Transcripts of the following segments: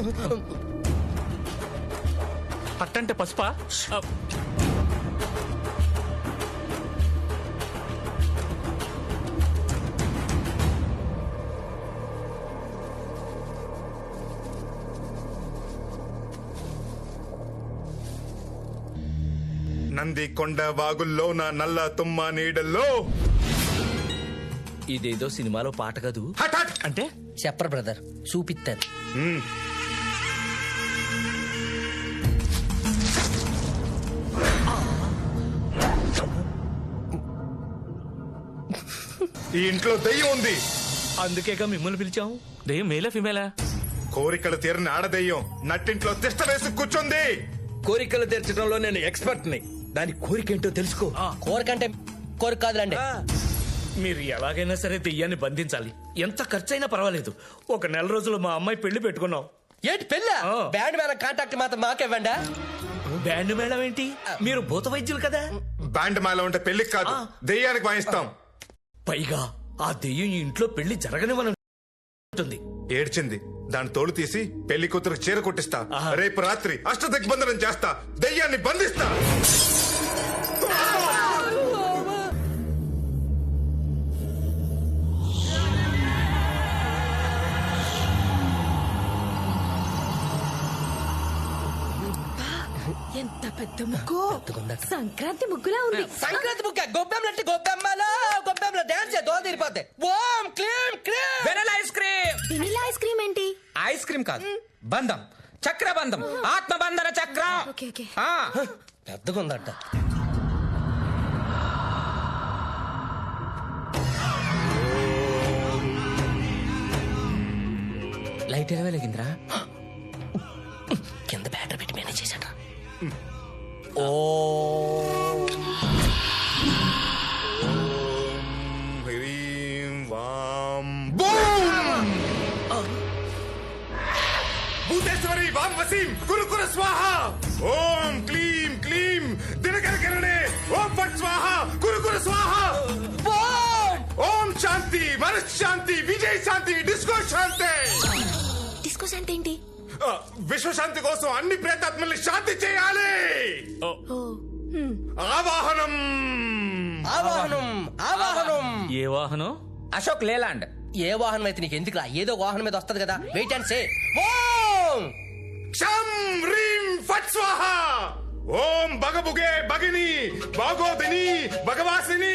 పట్టంటే పసుపా? నంది కొండ వాగుల్లో నా నల్ల తుమ్మ నీడల్లో. ఇదేదో సినిమాలో పాట కాదు. హట్ హట్. అంటే చెప్పరు బ్రదర్, చూపిస్తారు. ఈ ఇంట్లో దెయ్యం ఉంది. అందుకేగా మిమ్మల్ని పిలిచాము. దెయ్యం మేలా ఫిమేలా? కోరికలు తీరని ఆడదెయ్యం నట్టింట్లో తిష్ట వేసి కూర్చుంది. కోరికలు తీర్చడంలో నేను ఎక్స్పర్ట్ ని. దాని కోరికేంటో తెలుసుకో. కోరికంటే కోరిక కాదులండి. మీరు ఎలాగైనా సరే దెయ్యాన్ని బంధించాలి. ఎంత ఖర్చైనా పర్వాలేదు. ఒక నెల రోజులు మా అమ్మాయి పెళ్లి పెట్టుకున్నాం. ఏంటి పెళ్ళ? బ్యాండ్ మేళ కాంటాక్ట్ మాత్రం మాకివ్వండి. బ్యాండ్ మేళం ఏంటి? మీరు భూత వైద్యులు కదా. బ్యాండ్ మాల ఉంటే పెళ్లికి కాదు, దెయ్యానికి వాయిస్తాం. పైగా ఆ దెయ్యం ఈ ఇంట్లో పెళ్లి జరగనివ్వను. ఏడ్చింది, దాని తోలు తీసి పెళ్లి కూతురు చీర కుట్టిస్తా. రేపు రాత్రి అష్టదిగ్బంధనం చేస్తా, దెయ్యాన్ని బంధిస్తా. ఎంత పెద్ద ముగ్గు! సంక్రాంతి ముగ్గులా ఉంది. సంక్రాంతి ముక్క గొబ్బెమ్మలంటే గొబ్బెమ్మలో గొబ్బెమ్మలో డాన్స్ దోల తీరిపోతాయి. ఓం క్లీం క్లీం. Vanilla ice cream. Vanilla ice cream ఏంటి? ఐస్ క్రీమ్ కాదు, బంధం, చక్రబంధం, ఆత్మబంధన చక్రం. Okay okay. పెద్దగా ఉందట. లైట్ ఎలా వెలిగిందిరా? కింద బ్యాటర్ పెట్టి మేనేజ్ చేశాడు. ఓ హ్రీం వాం బూమ్. భూతేశ్వరి వాం వసీం కురు కురు స్వాహ. ఓం క్లీం క్లీం దినకర కిరణే ఓం ఫట్ స్వాహ కురు కురు స్వాహ. ఓం శాంతి మనశ్శాంతి విజయ శాంతి డిస్కో శాంతి. డిస్కో శాంతి ఏంటి? విశ్వశాంతి కోసం అన్ని ప్రేతాత్మల్ని శాంతి చేయాలి. ఆవాహనం ఆవాహనం ఆవాహనం. ఏ వాహనం? అశోక్ లేలాండ్. ఏ వాహనం అయితే నీకు ఎందుకురా? ఏదో వాహనం మీద వస్తది కదా. Wait and say. ఓం క్షం హ్రీం ఫట్ స్వాహ. ఓం బగబుగే బగిని బాగోదిని భగవాసిని.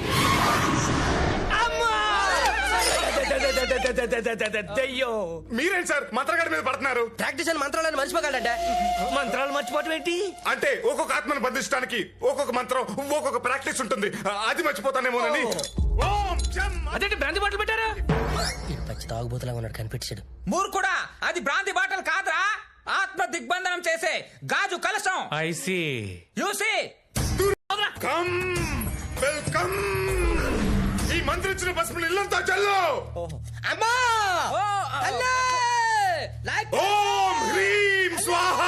దెయ్యం. మీరేంటి సార్ మంత్రగాడి మీద పడుతున్నారు? ప్రాక్టీస్ అని మంత్రాలను మర్చిపోగలంటే. మంత్రాలు మర్చిపోవటం ఏంటి? అంటే ఒక్కొక్క ఆత్మను బంధించడానికి ఒక్కొక్క మంత్రం ఒక్కొక్క ప్రాక్టీస్ ఉంటుంది. అది మర్చిపోతానేమోనని. ఓం క్షం. అదేంటి బ్రాంతి బాటలు పెట్టారా? పచ్చి తాగుబోతులాగా ఉన్నాడు, కనిపించాడు. మూర్ఖుడా, అది భ్రాంతి బాటలు కాదురా, ఆత్మ దిగ్బంధనం చేసే గాజు కలశం. I see. You see. Come welcome. ఈ మంత్రిచ్చిన పసుపులు ఇల్లంతా చల్లు. అమ్మా అల్లే లైక్. ఓం హ్రీం స్వాహ.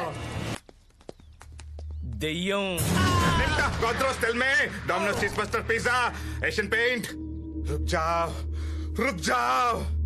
దెయ్యం. Godros, tell me. Domino's cheesebuster pizza, Asian paint. रुक जाओ.